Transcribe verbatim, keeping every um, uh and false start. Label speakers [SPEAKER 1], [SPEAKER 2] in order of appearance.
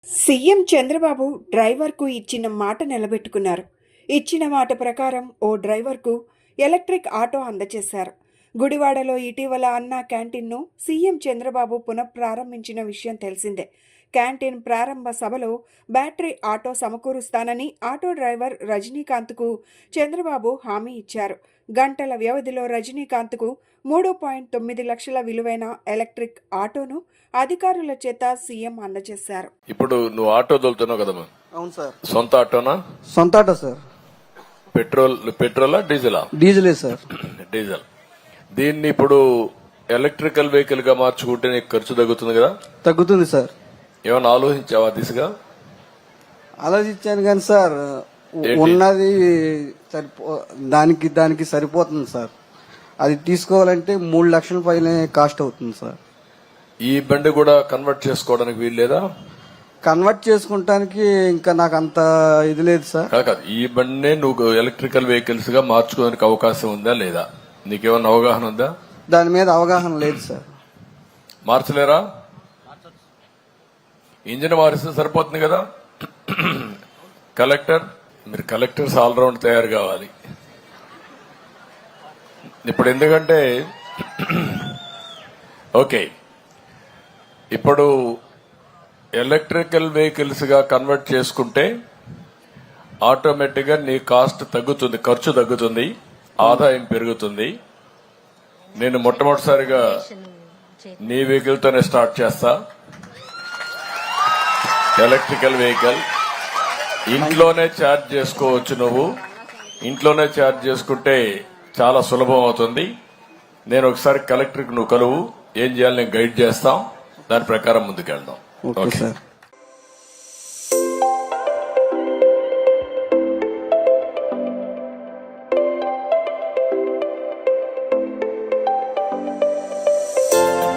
[SPEAKER 1] CM Chandrababu డ్రైవర్కు ఇచ్చిన మాట నిలబెట్టుకున్నారు. ఇచ్చిన మాట ప్రకారం ఓ డ్రైవర్కు ఎలక్ట్రిక్ ఆటో అందజేశారు. గుడివాడలో ఇటీవల అన్నా క్యాంటీన్ను సీఎం చంద్రబాబు పునఃప్రారంభించిన విషయం తెలిసిందే. క్యాంటీన్ ప్రారంభ సభలో బ్యాటరీ ఆటో సమకూరుస్తానని ఆటో డ్రైవర్ రజనీకాంత్కు చంద్రబాబు హామీ ఇచ్చారు. గంటల వ్యవధిలో రజనీకాంత్కు మూడు పాయింట్ తొమ్మిది లక్షల విలువైన ఎలక్ట్రిక్ ఆటోను అధికారుల చేత సీఎం అందజేశారు.
[SPEAKER 2] ఇప్పుడు నువ్వు ఆటో తోలుతున్నావు కదమ్మా?
[SPEAKER 3] అవును సార్.
[SPEAKER 2] సొంత ఆటోనా?
[SPEAKER 3] సొంత ఆటో సార్.
[SPEAKER 2] పెట్రోల్ పెట్రోలా డీజిలా?
[SPEAKER 3] డీజిలే సార్.
[SPEAKER 2] డీజిల్. దీన్ని ఇప్పుడు ఎలక్ట్రికల్ వెహికల్ గా మార్చుకుంటే నీకు ఖర్చు తగ్గుతుంది కదా?
[SPEAKER 3] తగ్గుతుంది సార్.
[SPEAKER 2] ఏమన్నా ఆలోచించావా దిశగా?
[SPEAKER 3] ఆలోచించాను కానీ సార్ ఉన్నది సరిపో దానికి దానికి సరిపోతుంది సార్. అది తీసుకోవాలంటే మూడు లక్షల పైన కాస్ట్ అవుతుంది సార్.
[SPEAKER 2] ఈ బండి కూడా కన్వర్ట్ చేసుకోవడానికి వీలు లేదా?
[SPEAKER 3] కన్వర్ట్ చేసుకుంటానికి ఇంకా నాకు అంత ఇది లేదు సార్.
[SPEAKER 2] కాదు, ఈ బండినే నువ్వు ఎలక్ట్రికల్ వెహికల్స్ గా మార్చుకోవడానికి అవకాశం ఉందా లేదా? నీకేమన్నా అవగాహన ఉందా?
[SPEAKER 3] దాని మీద అవగాహన లేదు సార్.
[SPEAKER 2] మార్చలేరా? ఇంజిన్ మారిస్తే సరిపోతుంది కదా. కలెక్టర్, మీరు కలెక్టర్స్ ఆల్రౌండ్ తయారు కావాలి ఇప్పుడు. ఎందుకంటే ఓకే, ఇప్పుడు ఎలక్ట్రికల్ వెహికల్స్ గా కన్వర్ట్ చేసుకుంటే ఆటోమేటిక్ గా నీ కాస్ట్ తగ్గుతుంది, ఖర్చు తగ్గుతుంది, ఆదాయం పెరుగుతుంది. నేను మొట్టమొదటిసారిగా నీ వెహికల్ తోనే స్టార్ట్ చేస్తా. ఎలక్ట్రికల్ వెహికల్ ఇంట్లోనే ఛార్జ్ చేసుకోవచ్చు. నువ్వు ఇంట్లోనే ఛార్జ్ చేసుకుంటే చాలా సులభం అవుతుంది. నేను ఒకసారి కలెక్టర్కి నువ్వు కలువు, ఏం చేయాలి నేను గైడ్ చేస్తాం, దాని ప్రకారం ముందుకెళ్దాం.
[SPEAKER 3] Okay sir.